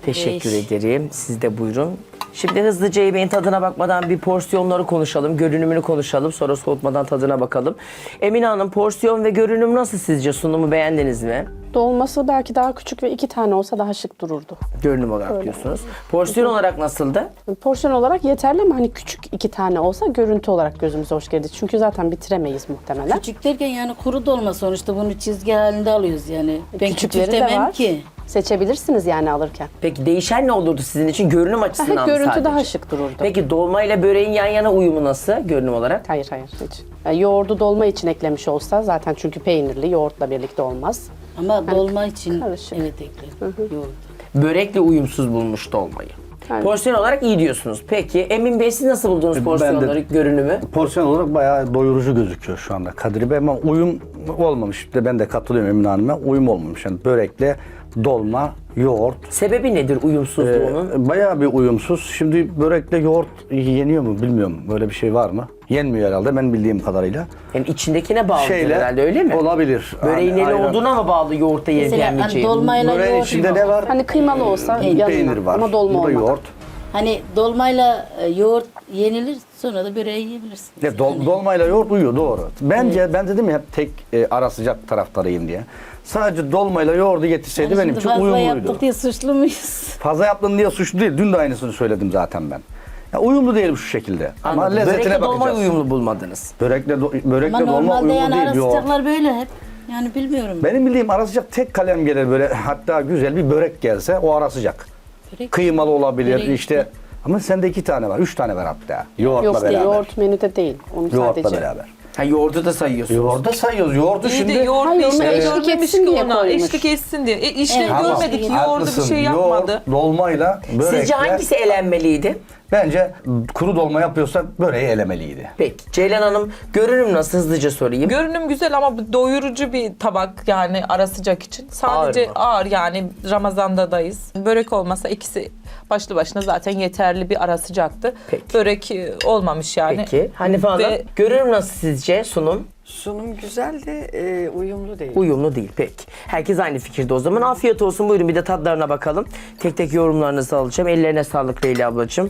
Teşekkür ederim. Siz de buyurun. Şimdi hızlıca yemeğin tadına bakmadan bir porsiyonları konuşalım, görünümünü konuşalım. Sonra soğutmadan tadına bakalım. Emine Hanım, porsiyon ve görünüm nasıl sizce? Sunumu beğendiniz mi? Dolması belki daha küçük ve 2 tane olsa daha şık dururdu. Görünüm olarak diyorsunuz. Porsiyon olarak nasıldı? Porsiyon olarak yeterli ama hani küçük 2 tane olsa görüntü olarak gözümüze hoş geldi. Çünkü zaten bitiremeyiz muhtemelen. Küçük derken yani kuru dolma sonuçta bunu çizgi halinde alıyoruz yani. Ben küçük Küçükleri de demem var. ki. Seçebilirsiniz yani alırken. Peki değişen ne olurdu sizin için? Görünüm açısından mı Görüntü sadece? daha şık dururdu. Peki dolma ile böreğin yan yana uyumu nasıl görünüm olarak? Hayır hiç. Yoğurdu dolma için eklemiş olsa zaten çünkü peynirli yoğurtla birlikte olmaz. Ama dolma için karışık. evet ekledim. Yoğurt. Börekle uyumsuz bulmuş dolmayı. Yani- Porsiyon olarak iyi diyorsunuz. Peki Emin Bey siz nasıl buldunuz porsiyonları, görünümü? Porsiyon olarak bayağı doyurucu gözüküyor şu anda Kadir Bey ama uyum olmamış. Ben de katılıyorum Emine Hanım'a. Uyum olmamış. Yani börekle dolma, yoğurt. Sebebi nedir uyumsuzluğunun? Bayağı bir uyumsuz. Şimdi börekle yoğurt yeniyor mu bilmiyorum. Böyle bir şey var mı? Yenmiyor herhalde ben bildiğim kadarıyla. Yani içindekine bağlı herhalde öyle mi? Olabilir. Böreğin Hani neli ayran- olduğuna mı bağlı yoğurtta yenip Mesela hani yenmeyeceği? dolmayla Böreğin yoğurt. içinde ne var? Hani kıymalı olsa yanına Peynir var. ama dolma Bu da olmadan. yoğurt. Hani dolmayla yoğurt yenilir sonra da böreği yiyebilirsiniz. Ya dolmayla yoğurt uyuyor doğru. Bence ben dedim ya hep tek ara sıcak taraftarıyım diye. Sadece dolmayla yoğurdu getirseydi benim için fazla uyumluydu. yaptık diye suçlu muyuz? Fazla yaptın diye suçlu değil. Dün de aynısını söyledim zaten ben. Ya uyumlu değil şu şekilde. Ama Anladım. lezzetine Börekle dolmayı bakacağız. uyumlu bulmadınız. Börekle Ama dolma normalde uyumlu yani değil ara yoğurt. sıcaklar böyle hep. Yani bilmiyorum. Benim bildiğim ara sıcak tek kalem gelir böyle hatta güzel bir börek gelse o ara sıcak. Börek- Kıymalı olabilir Börek işte. Ama sende 2 tane var, 3 tane var hatta. Yoğurtla Yok beraber. yoğurt menüde değil. Onu Yoğurtla sadece. beraber. Ha yoğurdu da sayıyorsunuz. Yoğurda sayıyoruz. Yoğurdu İyi şimdi... de yoğurt Hayır, bir onu işlev eşlik görmemiş etsin ki diye ona. koymuş. Eşlik etsin diye. İşlev Evet. görmedik. Yoğurdu bir Haklısın. şey yapmadı. Yoğurt, dolmayla, börekle... Sizce hangisi elenmeliydi? Bence kuru dolma yapıyorsak böreği elemeliydi. Peki Ceylan Hanım görünüm nasıl hızlıca sorayım. Görünüm güzel ama bu doyurucu bir tabak yani ara sıcak için. Sadece mı? ağır yani Ramazan'dayız. Börek olmasa ikisi başlı başına zaten yeterli bir ara sıcaktı. Peki. Börek olmamış yani. Peki Hanife Hanım Ve- görünüm nasıl sizce sunum? Sunum güzel de uyumlu değil. Uyumlu değil peki. Herkes aynı fikirde o zaman. Afiyet olsun buyurun bir de tadlarına bakalım. Tek tek yorumlarınızı alacağım. Ellerine sağlık Leyla ablacığım.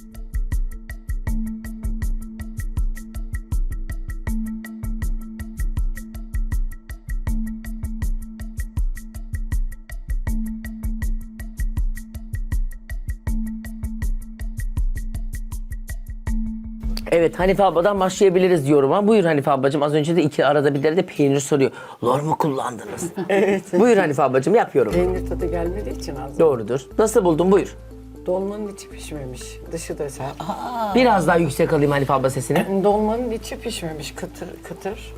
Evet Hanife abladan başlayabiliriz yoruma. Buyur Hanife ablacığım. Az önce de iki arada bir de peynir soruyor. Lor mu kullandınız? Evet. Buyur Hanife ablacığım yap yorumu. Peynir tadı gelmediği için az. Doğrudur. Nasıl buldun? Buyur. Dolmanın içi pişmemiş. Dışı da sert. Biraz daha yüksek alayım Hanife abla sesini. Dolmanın içi pişmemiş. Kıtır kıtır.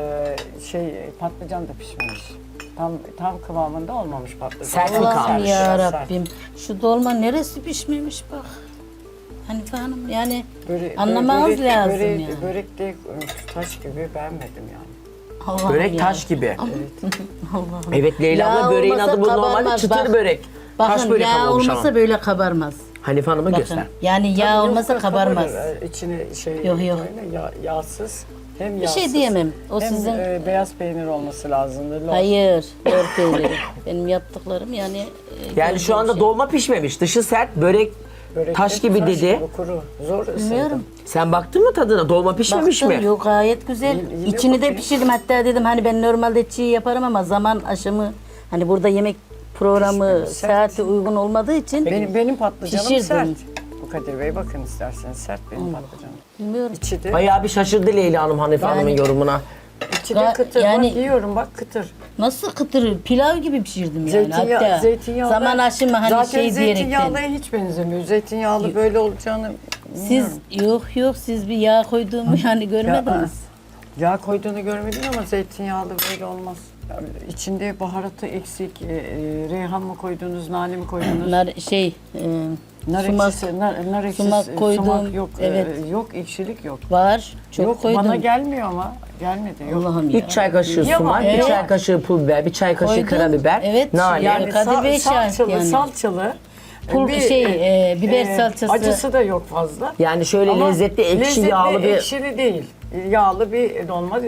Patlıcan da pişmemiş. Tam kıvamında olmamış patlıcan. Sert mi Biraz kalmış? Allah'ım sert, ya biraz sert. Rabbim. Şu dolma neresi pişmemiş bak. Hanife Hanım yani Böre- anlamaz börek- lazım börek- yani. Börek de taş gibi beğenmedim yani. Allah'ım Börek ya. taş gibi. Allah'ım. Evet Leyla abla Yağ böreğin olmasa adı bu normalde kabarmaz, çıtır bak. börek. Taş Bakın börek yağ olmuş olmasa ama. böyle kabarmaz. Hanife Hanım'a Bakın göster. yani yağ Tabii olmasa yok, kabarmaz. kabarır. İçine Yok, yok. Yağsız. Hem Bir yağsız. şey diyemem. O hem sizin beyaz peynir olması lazımdı. hayır. Lor peyniri. Benim yaptıklarım yani Yani şu anda gördüğüm şey. dolma pişmemiş. Dışı sert, börek Börek taş de gibi dedi. Kuru. Zor ısırdım. Bilmiyorum. Sen baktın mı tadına? Dolma pişmemiş Baktım, mi? yok gayet güzel. Yine İçini de bakayım. pişirdim. Hatta dedim hani ben normalde çiğ yaparım ama zaman aşımı hani burada yemek programı Pişmemiş, sert. saati uygun olmadığı için Benim patlıcanım Pişirdim. sert. Bu Kadir Bey bakın isterseniz sert benim patlıcanım. bilmiyorum. İçi de, Bayağı bir şaşırdı Leyla Hanım Hanife Hanım'ın yorumuna. içi de kıtır. yani- Bak yiyorum bak kıtır. Nasıl kıtırır? Pilav gibi pişirdim yani hatta. Zeytinyağlı. Zaman aşımı hani zaten şey diyerekten. zeytinyağlıya hiç benzemiyor. Zeytinyağlı böyle olacağını Siz yok siz bir yağ koyduğumu yani görmediniz. Yağ koyduğunu görmedim ama zeytinyağlı böyle olmaz. Yani içinde baharatı eksik, reyhan mı koydunuz, nane mi koydunuz? Nar Nar sumak ekşisi, nar ekşisi, sumak koydum. sumak yok, Evet. yok ekşilik yok. var. Çok yok koydum. bana gelmiyor ama gelmedi. Yok. Allah'ım ya. 3 çay kaşığı Yapma, sumak, 1 evet. çay kaşığı pul biber, 1 çay kaşığı Koydum. karabiber, Evet, nane. yani Kadir Bey şahit salçalı, yani. salçalı. Biber salçası. Acısı da yok fazla. Yani şöyle Ama lezzetli, ekşi, lezzetli, yağlı bir... ekşili değil. Yağlı bir dolma değil.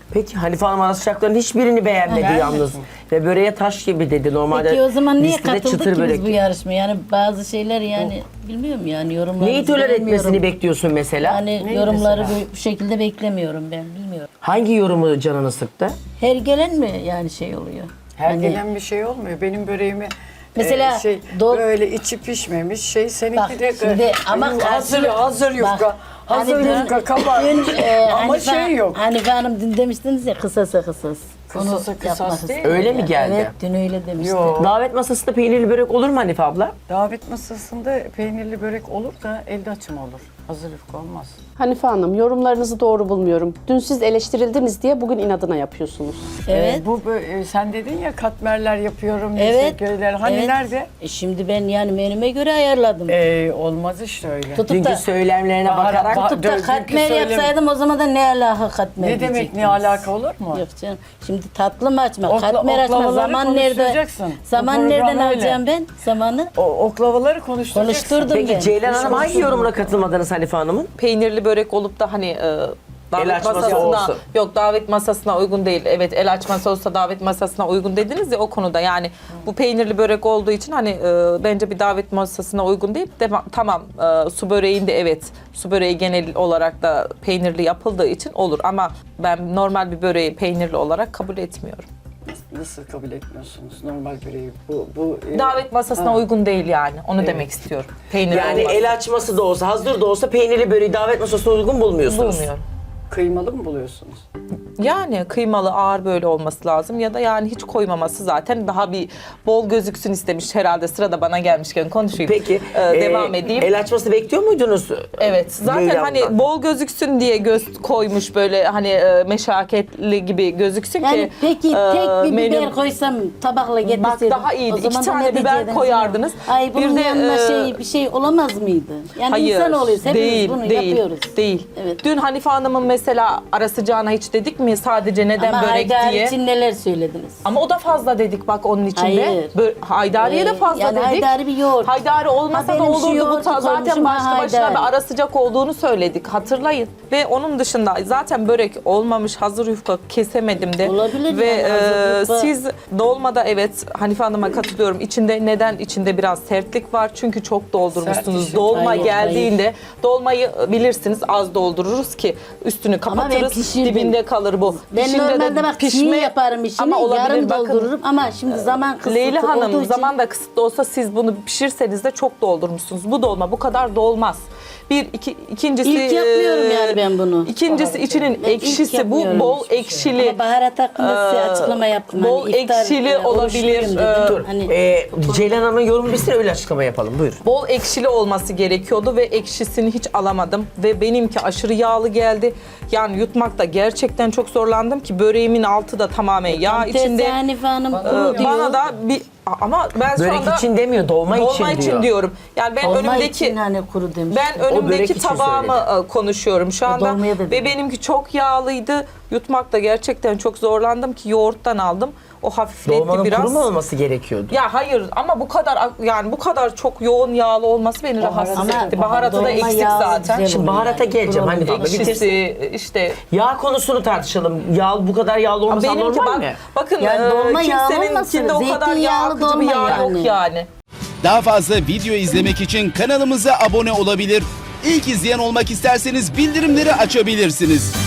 Peki Hanife Hanım ara sıcakların hiçbirini beğenmedi yalnız. Ve böreğe taş gibi dedi. Normalde Peki o zaman niye listede katıldık çıtır ki börek. biz bu yarışmaya? Yani bazı şeyler yani bilmiyorum yani yorumları. Neyi tolere etmesini bekliyorsun mesela? Yani yorumları bu şekilde beklemiyorum ben bilmiyorum. Hangi yorumu canını sıktı? Her gelen mi yani şey oluyor? Her Hani- gelen bir şey olmuyor. Benim böreğimi Mesela böyle içi pişmemiş şey seninki Bak, de şimdi ama hazır yufka. Bak, Hazır hani dün- yufka kabar. Ama şey yok. Hanife Hanım dün demiştiniz ya kısasa. Kısasa kısas değil. Öyle mi geldi? Evet dün öyle demişti. Yok. Davet masasında peynirli börek olur mu Hanife abla? Davet masasında peynirli börek olur da elde açım olur. Hazır yufka olmaz. Hanife Hanım, yorumlarınızı doğru bulmuyorum. Dün siz eleştirildiniz diye bugün inadına yapıyorsunuz. Evet. Sen dedin ya katmerler yapıyorum. Evet. Köyler. Hani Evet. nerede? Şimdi ben yani menüme göre ayarladım. Olmaz işte öyle. Tutup Dünkü da, söylemlerine Bahar- bakarak bahar- tutup da Dünkü katmer söylem- yapsaydım o zaman da ne alaka katmer Ne demek diyecektiniz. ne alaka olur mu? Yok canım. Şimdi tatlı mı açma, Okla- katmer açma. oklavaları Zaman nerede? konuşturacaksın. Bu Zaman program nereden öyle. alacağım ben? Zamanı Oklavaları konuşturacaksın. konuşturdum ben. Peki Ceylan Hanım hangi yorumuna katılmadınız Hanife Hanım'ın? Peynirli börek olup da hani davet El açması masasına olsun. yok davet masasına uygun değil. Evet el açması olsa davet masasına uygun dediniz ya o konuda yani bu peynirli börek olduğu için hani bence bir davet masasına uygun değil. Tamam su böreğinde evet su böreği genel olarak da peynirli yapıldığı için olur ama ben normal bir böreği peynirli olarak kabul etmiyorum. Nasıl kabul etmiyorsunuz normal böreği? Bu Davet masasına uygun değil yani. Onu demek istiyorum. Peynirli Yani olmaz. el açması da olsa, hazır da olsa peynirli böreği davet masasına uygun bulmuyorsunuz. Bulmuyorum. kıymalı mı buluyorsunuz? Yani kıymalı ağır böyle olması lazım ya da yani hiç koymaması zaten daha bir bol gözüksün istemiş herhalde sırada bana gelmişken konuşayım. Peki Devam edeyim. El açması bekliyor muydunuz? Evet zaten Ceylan'dan? hani bol gözüksün diye göz koymuş böyle hani meşakkatli gibi gözüksün Yani ki. peki tek bir menü- biber koysam tabakla Bak getirseydim. daha iyiydi. o zaman İki da tane ne biber diyecektiniz koyardınız. ya? Ay bunun Bir de, yanına bir şey olamaz mıydı? Yani Hayır, insan oluyoruz. Hepimiz değil, bunu değil, yapıyoruz. değil. Evet. Dün Hanife Hanım'ın mesela ara sıcağına hiç dedik mi sadece neden Ama börek Haydar diye? için neler söylediniz? Ama o da fazla dedik bak onun içinde. Hayır. Haydariye de fazla yani dedik. haydari bir yoğurt. Haydari olmasa Ha, da benim şu olurdu bu yoğurtu zaten koymuşum, başlı ha, başına haydari. bir ara sıcak olduğunu söyledik hatırlayın. Ve onun dışında zaten börek olmamış hazır yufka kesemedim de. Olabilir Ve yani, hazır yufka. siz dolmada evet Hanife Hanım'a katılıyorum. İçinde biraz sertlik var çünkü çok doldurmuşsunuz. Sert işi. Dolma Hayır, geldiğinde dolmayı bilirsiniz az doldururuz ki üstünü Ama ben kapatırız pişirdim. dibinde kalır bu. Ben Pişinde de normalde bak çiğ yaparım işini, ama olabilir, yarım bakın. doldururum ama şimdi zaman kısıtlı Leyla olduğu Hanım için... zaman da kısıtlı olsa siz bunu pişirseniz de çok doldurmuşsunuz. Bu dolma bu kadar dolmaz. İkincisi İlk yapmıyorum yani ben bunu. İkincisi içinin Ben ilk ekşisi bu yapmıyorum bol ekşili. Ama baharat hakkında size açıklama yaptım. bol Hani iftar, ekşili olabilir. oruçluyum dedim. Dur. Hani Ceylan Hanım'ın yorumu bitsin öyle açıklama yapalım. Buyur. Bol ekşili olması gerekiyordu ve ekşisini hiç alamadım. Ve benimki aşırı yağlı geldi. Yani yutmakta gerçekten çok zorlandım ki böreğimin altı da tamamen yağ tam içinde. tersi Hanife Hanım kuru diyor. Bana da bir ama ben şu Börek anda için demiyor, dolma için diyor. diyorum. Yani ben Olma önümdeki için hani kuru demiş. ben börek önümdeki için tabağımı konuşuyorum şu anda dolmaya da ve dedim. benimki çok yağlıydı. Yutmakta gerçekten çok zorlandım ki yoğurttan aldım. O hafifletti Dolmanın biraz. kuru mu olması gerekiyordu? Ya hayır ama bu kadar çok yoğun yağlı olması beni rahatsız Ama etti. Baharatı da dolma eksik yağlı zaten. güzel Şimdi oluyor baharata yani. geleceğim. Hani Kuru bak bitirsin. Ekşisi işte. Yağ konusunu tartışalım. Yağ bu kadar yağlı olmasa Benimki normal bak, mi? bakın Yani dolma yağlı kimseninkinde olmasın, o kadar yağ zeytinyağlı akıcı bir dolma yağ yok yani. yani. Daha fazla video izlemek için kanalımıza abone olabilir. İlk izleyen olmak isterseniz bildirimleri açabilirsiniz.